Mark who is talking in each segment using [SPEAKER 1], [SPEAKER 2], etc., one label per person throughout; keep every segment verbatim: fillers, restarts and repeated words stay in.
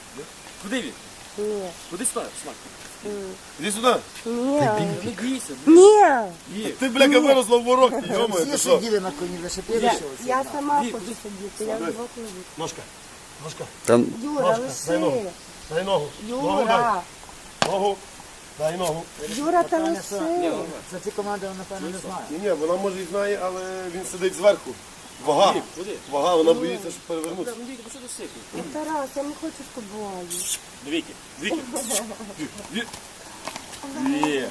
[SPEAKER 1] Куди він?
[SPEAKER 2] Ні.
[SPEAKER 1] Куди сюди, Смак?
[SPEAKER 3] Іди сюди.
[SPEAKER 2] Ні.
[SPEAKER 1] Не бійся.
[SPEAKER 2] Ні.
[SPEAKER 1] Ні.
[SPEAKER 3] Ти, бляха, виросла в ворог, йомаю,
[SPEAKER 4] Всі
[SPEAKER 3] ти що?
[SPEAKER 4] сиділи на коні, лише
[SPEAKER 2] Я,
[SPEAKER 4] ти
[SPEAKER 2] я сама хочу сидіти, я вдвох не буду.
[SPEAKER 3] Ножка, ножка,
[SPEAKER 5] Там
[SPEAKER 2] Юра,
[SPEAKER 3] Ножка, дай ногу.
[SPEAKER 2] лиши.
[SPEAKER 3] дай ногу. Ногу дай.
[SPEAKER 2] Юра.
[SPEAKER 3] Ногу. Дай ногу.
[SPEAKER 2] Юра, та
[SPEAKER 4] Ні,
[SPEAKER 2] лиши.
[SPEAKER 4] За ці команди він, напевно, не знає.
[SPEAKER 3] Ні, ні, вона може і знає, але він сидить зверху. Вага.
[SPEAKER 1] Куди?
[SPEAKER 3] Вага, вона боїться, щоб перевернутися.
[SPEAKER 1] Ну, Віки, що ти сипиш?
[SPEAKER 2] Ну, Тарас, я не хочу з тобою.
[SPEAKER 1] Віки, Віки. Ві- Ві.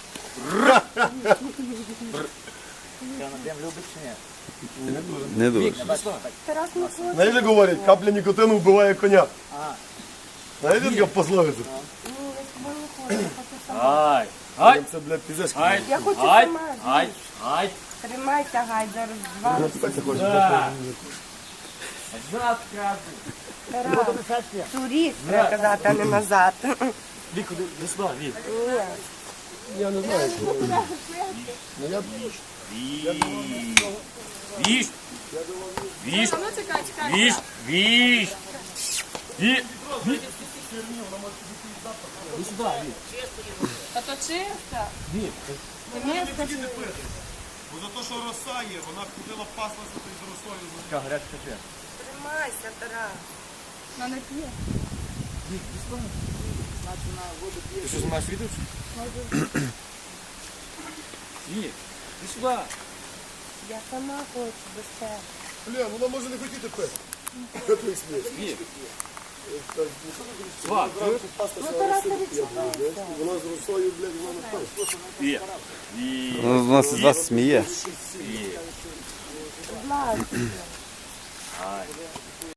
[SPEAKER 4] Прям любить чи ні?
[SPEAKER 5] не дуже.
[SPEAKER 2] Тарас не хоче.
[SPEAKER 3] Знаєш, як говорять, капля нікотину вбиває коня.
[SPEAKER 4] А.
[SPEAKER 3] Знаєте, така пословиця?
[SPEAKER 2] Ні, я з тобою не хочу, я хочу сама.
[SPEAKER 1] Ай, ай,
[SPEAKER 3] Це, блядь, пізеш.
[SPEAKER 1] ай,
[SPEAKER 2] Я хочу
[SPEAKER 1] ай,
[SPEAKER 2] сама.
[SPEAKER 1] ай, ай.
[SPEAKER 2] Тримайся, гай, зараз два.
[SPEAKER 1] Да. Назад кажу.
[SPEAKER 2] Тарас, туріст, треба казати, а не назад.
[SPEAKER 1] Віку, де сюди, Вік.
[SPEAKER 2] Ні.
[SPEAKER 3] Я не знаю.
[SPEAKER 1] Віж. Віж. Віж. Віж. Віж. Віж. Іди сюди, Вік.
[SPEAKER 2] Та то чисто.
[SPEAKER 1] Вік.
[SPEAKER 2] Мені скажи.
[SPEAKER 3] Бо за те, що роса є, вона ходила паслася з росою.
[SPEAKER 1] Яка гаряча кафе.
[SPEAKER 2] Тримайся, Тарас. Вона не п'є.
[SPEAKER 1] Ти що, знімаєш відео? Вік, іди сюди.
[SPEAKER 2] Я сама хочу без тебе.
[SPEAKER 3] Бля, вона може не хотіти пити. Що ти смієш?
[SPEAKER 1] Вік. Сват, чуєш?
[SPEAKER 2] Ну, Тарас, не відчувайся.
[SPEAKER 3] Вона з росою, блядь, вона не пила.
[SPEAKER 1] Вік. Вік.
[SPEAKER 5] Ну, нас з вас сміє.
[SPEAKER 1] Вік.
[SPEAKER 2] Будь ласка.
[SPEAKER 1] Ай.